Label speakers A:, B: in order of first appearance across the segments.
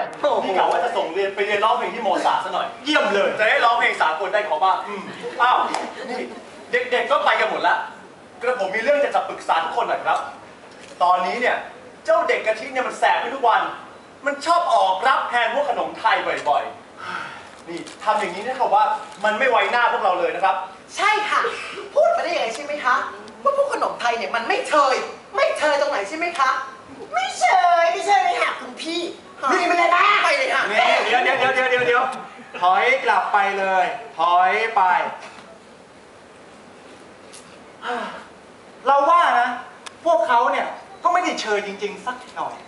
A: นี่กะว่าจะส่งเรียนไปเรียนร้องเพลงที่โมซาร์ทซะหน่อย
B: เยี่ยมเลย
A: จะได้ร้องเพลงสากลได้เขาบ้างอ้าวนี่เด็กๆก็ไปกันหมดแล้วกระผมมีเรื่องจะปรึกษาทุกคนหน่อยครับตอนนี้เนี่ยเจ้าเด็กกะทิเนี่ยมันแสบไปทุกวันมันชอบออกรับแทนพวกขนมไทยบ่อยๆนี่ทำอย่างนี้เนี่ยเขาว่ามันไม่ไว้หน้าพวกเราเลยนะครับ
C: ใช่ค่ะพูดมาได้ยังไงใช่ไหมคะว่าพวกขนมไทยเนี่ยมันไม่เชยตรงไหนใช่ไหมคะไม่เชยเลยค่ะคุณพี่นี่มันเลยนะไปเลยค่ะ
B: เดี๋ยวถอยกลับไปเลยถอยไปเราว่านะพวกเขาเนี่ยก็ไม่ได้เชยจริงๆสักหน่อย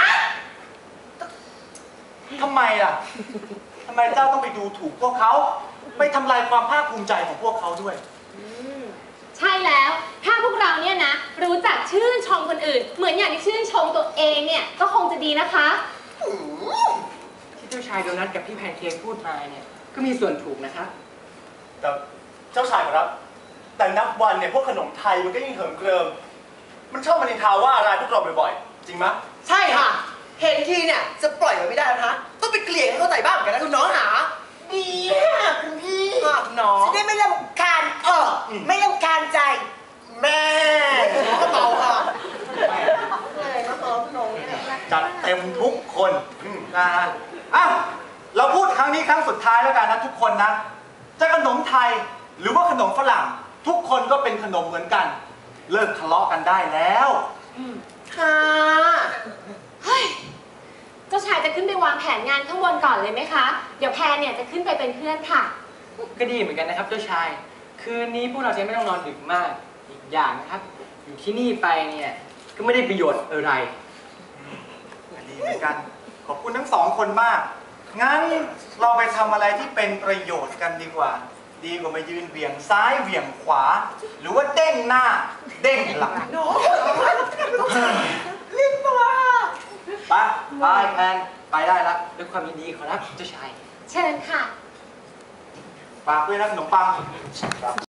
B: ทำไมล่ะทำไมเจ้าต้องไปดูถูกพวกเขาไปทำลายความภาคภูมิใจของพวกเขาด้วย
D: ใช่แล้วถ้าพวกเราเนี่ยนะรู้จักชื่นชมคนอื่นเหมือนอย่างที่ชื่นชมตัวเองเนี่ยก็คงจะดีนะคะ
E: ที่เจ้าชายโดนัทกับพี่แพนเค้กพูดมาเนี่ยก็มีส่วนถูกนะครับ
A: แต่เจ้าชายครับแต่นับวันเนี่ยพวกขนมไทยมันก็ยิ่งเหิมเกริมมันชอบมานินทาว่าอะไรพวกเราบ่อยๆจริงไหม
C: ใช่ค่ะเห็นทีเนี่ยจะปล่อยไว้ไม่ได้นะคะต้องไปเกลี่ยให้เข้าใจบ้างกันนะคุณน้องหาดีค่ะคุณพี่น้องจะได้ไม่รำคาญไม่รำคาญใจแม่ก็เบาค่ะ
B: จัดเต็มทุกคนนะฮะอ้าวเราพูดครั้งนี้ครั้งสุดท้ายแล้วกันนะทุกคนนะจะขนมไทยหรือว่าขนมฝรั่งทุกคนก็เป็นขนมเหมือนกันเลิกทะเลาะกันได้แล้ว
C: ค่ะ
D: เฮ้ยเจ้าชายจะขึ้นไปวางแผนงานข้างบนก่อนเลยไหมคะเดี๋ยวแพนเนี่ยจะขึ้นไปเป็นเพื่อนค่ะ
E: ก็ดีเหมือนกันนะครับเจ้าชายคืนนี้พวกเราจะไม่ต้องนอนดึกมากอีกอย่างนะครับอยู่ที่นี่ไปเนี่ยก็ไม่ได้ประโยชน์อะไร
B: ดีเหมือนกันขอบคุณทั้งสองคนมากงั้นเราไปทำอะไรที่เป็นประโยชน์กันดีกว่าดีกว่ามายืนเหวี่ยงซ้ายเหวี่ยงขวาหรือว่าเด้งหน้าเด้งหลัง
C: เรียกตัว
B: ไปแพนไปได้แล้ว
E: ด้วยความยินดีขอรับเจ้าชาย
D: เชิญค่ะ
B: ฝากด้วยนะขนมปัง